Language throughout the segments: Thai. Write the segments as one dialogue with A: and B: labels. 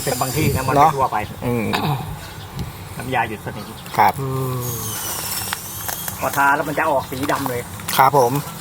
A: เป็นบางที่นะมันไม่ทั่วไป น้ำยาหยุดสนิม
B: ครับ
A: พอทาแล้วมันจะออกสีดำเลย
B: ครับผม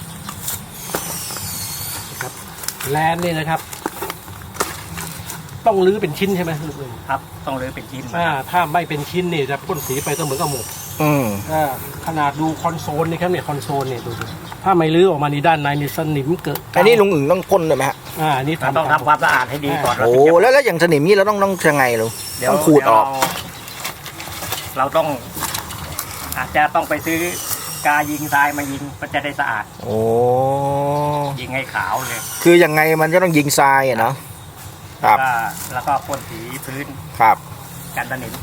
C: ครับแลนด์นี่นะครับ ต้องรื้อเป็นชิ้นใช่ไหมลูกเอ๋ย
A: ครับ ต้องรื้อเป็นชิ้น
C: ถ้าไม่เป็นชิ้นนี่จะพ่นสีไปก็เหมือนกับหมก ขนาดดูคอนโซลนี่ครับเนี่ยคอนโซลเนี่ยดูถ้าไม่รื้อออกมาในด้านในนี่สนิมเกิด
B: อันนี้ลุงอึ่งต้องพ่นเลยไหมฮะ
C: อันนี้
A: ต้องทำความสะอาดให้ดีก่อน
B: โอ้แล้วอย่างสนิมนี่เราต้องยังไงลุงต้องขูดออก
A: เราต้องอาจจะต้องไปซื้อกายิงทรายมายิงมันจะได้สะอาด
B: โอ้
A: ยิงให้ขาวเลย
B: คือยังไงมันก็ต้องยิงทรายอะเนาะครับ
A: แล้วก็พ่นสีพื้น
B: ครับ
A: กันสนิม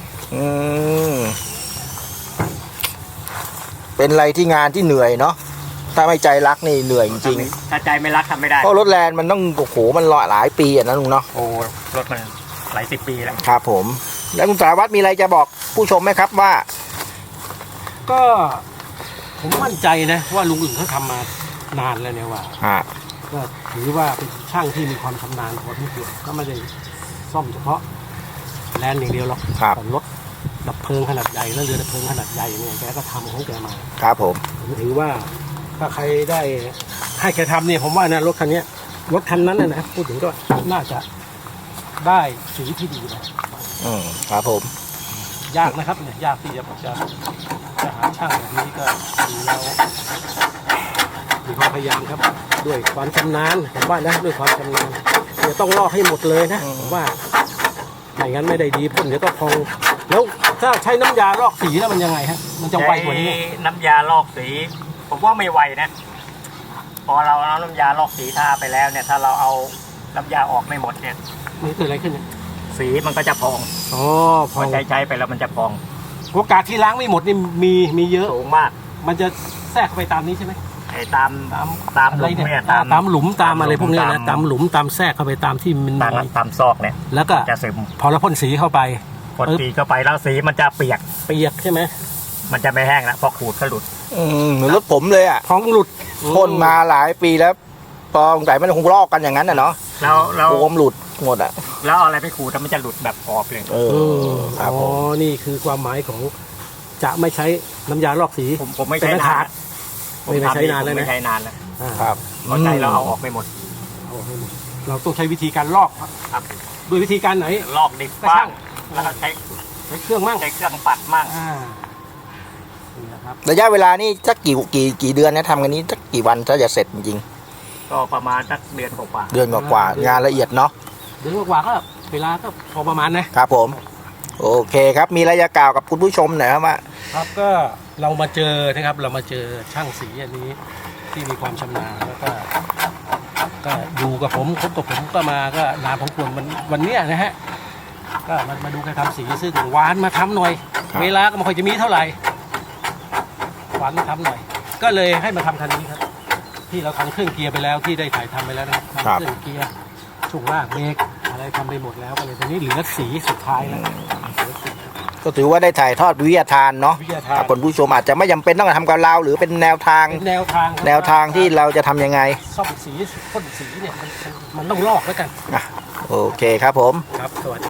B: เป็นอะไรที่งานที่เหนื่อยเนาะถ้าไม่ใจรักนี่เหนื่อยจริง
A: ถ้าใจไม่รักทำไม่ได้
B: ๆเพราะรถแลนด์มันต้องโอ้โหมันหลายปีอะนะลุงเนาะ
A: โอ้รถมันหลายสิบปีแล้ว
B: ครับผมแล้วคุณสารวัตรมีอะไรจะบอกผู้ชมไหมครับว่า
C: ก็ผมมั่นใจนะว่าลุงอึ่งเขาทำมานานแล้วเนี่ยว่าก็ถือว่าเป็นช่างที่มีความชำนาญพอที่เกี่ยวก็ไม่ได้ซ่อมเฉพาะแลนด์อย่างเดียวหรอกแต่รถดับเพลิงขนาดใหญ่แล้วเรือดับเพลิงขนาดใหญ่เนี่ยแกก็ทำของแกมา
B: ครับผม
C: ผมถือว่าถ้าใครได้ให้แกทำเนี่ยผมว่านะรถคันนี้รถคันนั้นนะพูดถึงก็น่าจะได้สีที่ดีนะครับ
B: ผม
C: ยากนะครับเนี่ยยากที่จะหาช่างแบบนี้ก็ดูแล้วมีความพยายามครับด้วยความชำนาญผมว่านะด้วยความชำนาญเดี๋ยวต้องลอกให้หมดเลยนะผมว่าไม่งั้นไม่ได้ดีพ่นเดี๋ยวก็พองแล้วถ้าใช้น้ำยาลอกสีแล้วมันยังไงฮะมันจะไวกว่านี้
A: น้ำยาลอกสีผมว่าไม่ไวนะพอเราเอาน้ำยาลอกสีทาไปแล้วเนี่ยถ้าเราเอาน้ำยาออกไม่หมดเนี่ย
C: นี่เกิดอะไรขึ้นเนี่ย
A: สีมันก็จะพอง
C: พ
A: พ
C: อ
A: อใช้ไปแล้วมันจะพอง
C: โอกาสที่ล้างไม่หมดนี่มีเยอะ
A: สูงมาก
C: มันจะแทรกเข้าไปตามนี้ใช่ไหม
A: ไอ้ตามหลุมเนี่ย
C: ตามหลุมตามอะไรพวกนี้นะตามหลุมตามแทรกเข้าไปตามที่มัน
A: ตามซอกเนี่ย
C: แล้วก็
A: จะซึม
C: พอเราพ่นสีเข้าไป
A: พอสีเข้าไปแล้วสีมันจะเปียก
C: ใช่ไหม
A: มันจะไม่แห้งแล้วพอขูดก็หลุด
B: เหมือนรถผมเลยอ่ะ
C: พองหลุด
B: พ่นมาหลายปีแล้วพอสงสัยมันคงลอกกันอย่างนั้นน่ะเนาะ
A: แล้ว
B: โฟมหลุดหมดอ่ะ
A: แล้วเอาอะไรไปขูดแล้วมันจะหลุดแบบออกเลย
B: ครับผม
C: นี่คือความหมายของจะไม่ใช้น้ำยาลอกสี
A: ผมไม่ใช้นาน
C: ไม่ใช้นานแล้วนะ
A: ไม่ใช้นานแล้ว
B: ครับ
A: พอใจเราเอาออกไม่หมด
C: เราต้องใช้วิธีการลอก
A: ครับ
C: ด้วยวิธีการไหน
A: ลอกดิบ
C: ก็
A: บ้า
C: ช่าง ง
A: แล้วก็ใช้
C: เครื่องมั่ง
A: ใช้เครื่องปัดมั่ง
C: นี่นะครับ
B: ระยะเวลานี่สักกี่เดือนนะทำกันนี้สักกี่วันถ้าจะเสร็จจริง
A: ก็ประมาณสักเดือนกว่า
B: ๆเดือนกว่าๆงานละเอียดเนาะ
C: เดือนกว่าก็เวลาก็พอประมาณนะครับ
B: ผมโอเคครับมีอะไรจะกล่าวกับคุณผู้ชมหน่อยครับว่า
C: ครับก็เรามาเจอนะครับเรามาเจอช่างสีอันนี้ที่มีความชำนาญแล้วก็อยู่กับผมคบกับผมก็มาก็นานพอควรวันเนี้ยนะฮะก็มาดูการทำสีซึ่งหวานมาทำหน่อย เวลาก็ไม่ค่อยจะมีเท่าไหร่หวานมาทำหน่อย ก็เลยให้มาทำคันนี้ครับที่เราทำเครื่องเกียร์ไปแล้วที่ได้ถ่ายทำไปแล้วนะครับทำเครื่องเกียร์ช่วงล่างเบรกอะไรทำไปหมดแล้วก็เลยทีนี้เหลือสีสุดท้ายแล้ว
B: ก็ถือว่าได้ถ่ายทอดวิทยาทานเนาะ
C: วิทยาทาน
B: คนผู้ชมอาจจะไม่จำเป็นต้องทำกับเราหรือเป็นแนวทาง
C: เป็นแนวทางครับ
B: แนวทางที่เราจะทำยังไง
C: ซ่อมสีพ่นสีเนี่ยมันต้องลอกแล้วกัน
B: โอเคครับผม
C: ครับสวัสดี